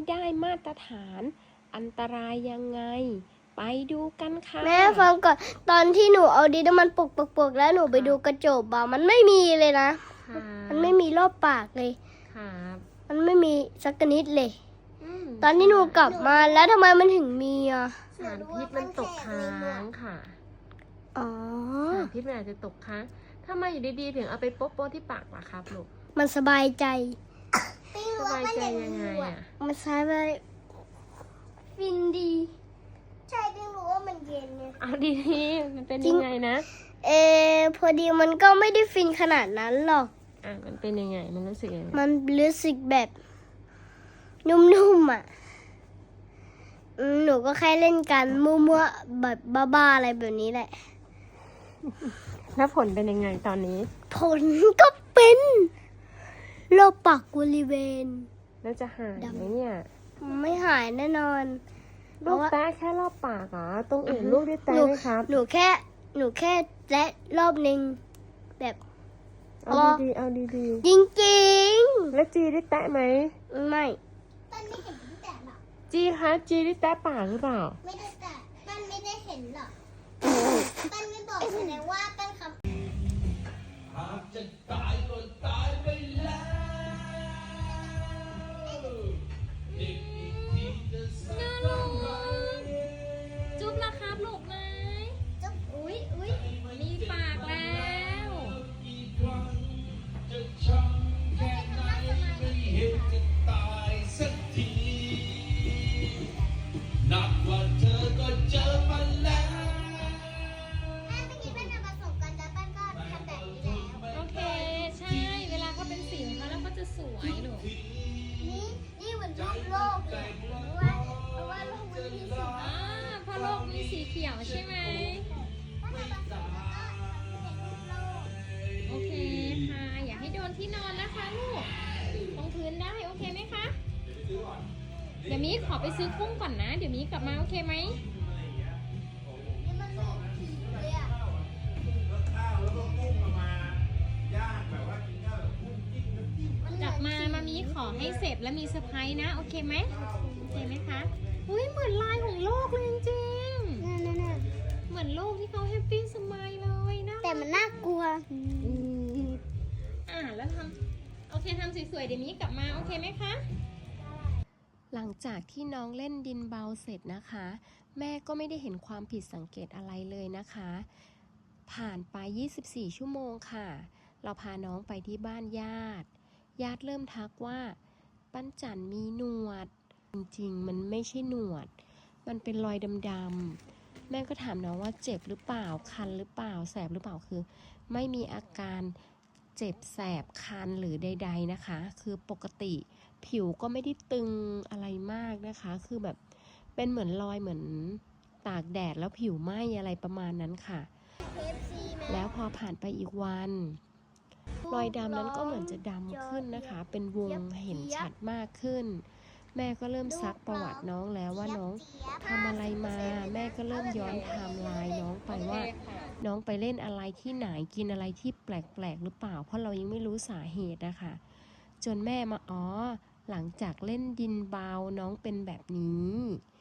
ได้มาตรฐานอันตรายยังไงไปดูกันค่ะแม่ฟังก่อนตอนที่หนูเอาดินน้ำมันปกแล้วหนูไปดูกระจกบ่ามันไม่มีเลยนะมันไม่มีรอบปากเลยมันไม่มีสักนิดเลยตอนที่หนูกลับมาแล้วทำไมมันถึงมีอ่ะสารพิษมันตกค้างค่ะสารพิษมันอาจจะตกค้างทำไมอยู่ดีๆถึงเอาไปโป๊ะที่ปากล่ะครับลูกมันสบายใจสบายใจยังไงอ่ะมันสบายฟินดีใช่พี่รู้ว่ามันเย็นไงเอาดีๆมันเป็นยังไงนะพอดีมันก็ไม่ได้ฟินขนาดนั้นหรอกมันเป็นยังไงมันรู้สึกยังไงมันรู้สึกแบบนุ่มๆอ่ะหนูก็แค่เล่นกันมั่วๆแบบบ้าๆอะไรแบบนี้แหละแล้วผลเป็นยังไงตอนนี้ผลก็เป็นโรคปากบริเวณแล้วจะหายไหมเนี่ยไม่หายแน่นอนลูกแตะแค่รอบปากเหรอตรงอื่นลูกได้แตะไหมครับหนูแค่แตะรอบนึงแบบเอาดีจริงๆแล้วจีได้แตะไหมไม่ต้นไม่เห็นแตะหรอกจีได้แตะปากหรือเปล่าไม่ได้แตะต้นไม่ได้เห็นหรอกต้นไม่บอกแสดงว่าต้นคำหากจะตายก็ตายไปแล้วจุ๊บละครับลูกไหมจุ๊บอุ้ยมีปากแล้วนับว่าเธอก็เจอมาแล้วเมื่อกี้เป็นผสมกันแล้วปั้นก็ทำแบบนี้แล้วโอเคใช่เวลาเขาเป็นสีของเขาแล้วเขาจะสวยหนูนี่เหมือนรูปโลกเลยเพราะว่าโลกมันมีสีเพราะโลกมีสีเขียวใช่ไหมโอเคค่ะอย่าให้โดนที่นอนนะคะลูกตรงพื้นได้โอเคไหมคะเดี๋ยวมีขอไปซื้อกุ้งก่อนนะเดี๋ยวมีกลับมาโอเคไหมนี่มันเหมือนผีเลยอ่ะกลับมามีขอให้เสร็จแล้วมีเซอร์ไพรส์นะโอเคไหมโอเคไหมคะอุ้ยเหมือนลายของโลกเลยจริงๆเหมือนโลกที่เขาแฮปปี้สมัยเลยนะแต่มันน่ากลัวแล้วโอเคทำสวยๆเดี๋ยวมีกลับมาโอเคไหมคะหลังจากที่น้องเล่นดินเบาเสร็จนะคะแม่ก็ไม่ได้เห็นความผิดสังเกตอะไรเลยนะคะผ่านไป24ชั่วโมงค่ะเราพาน้องไปที่บ้านญาติเริ่มทักว่าปั้นจันมีหนวดจริงๆมันไม่ใช่หนวดมันเป็นรอยดำๆแม่ก็ถามน้องว่าเจ็บหรือเปล่าคันหรือเปล่าแสบหรือเปล่าคือไม่มีอาการเจ็บแสบคันหรือใดๆนะคะคือปกติผิวก็ไม่ได้ตึงอะไรมากนะคะคือแบบเป็นเหมือนรอยเหมือนตากแดดแล้วผิวไหม้อะไรประมาณนั้นค่ะแล้วพอผ่านไปอีกวันรอยดำนั้นก็เหมือนจะดำขึ้นนะคะเป็นวงเห็นชัดมากขึ้นแม่ก็เริ่มซักประวัติน้องแล้วว่าน้องทำอะไรมาแม่ก็เริ่มย้อนไทม์ไลน์น้องไปว่าน้องไปเล่นอะไรที่ไหนกินอะไรที่แปลกๆหรือเปล่าเพราะเรายังไม่รู้สาเหตุนะคะจนแม่มาหลังจากเล่นดินเบาน้องเป็นแบบนี้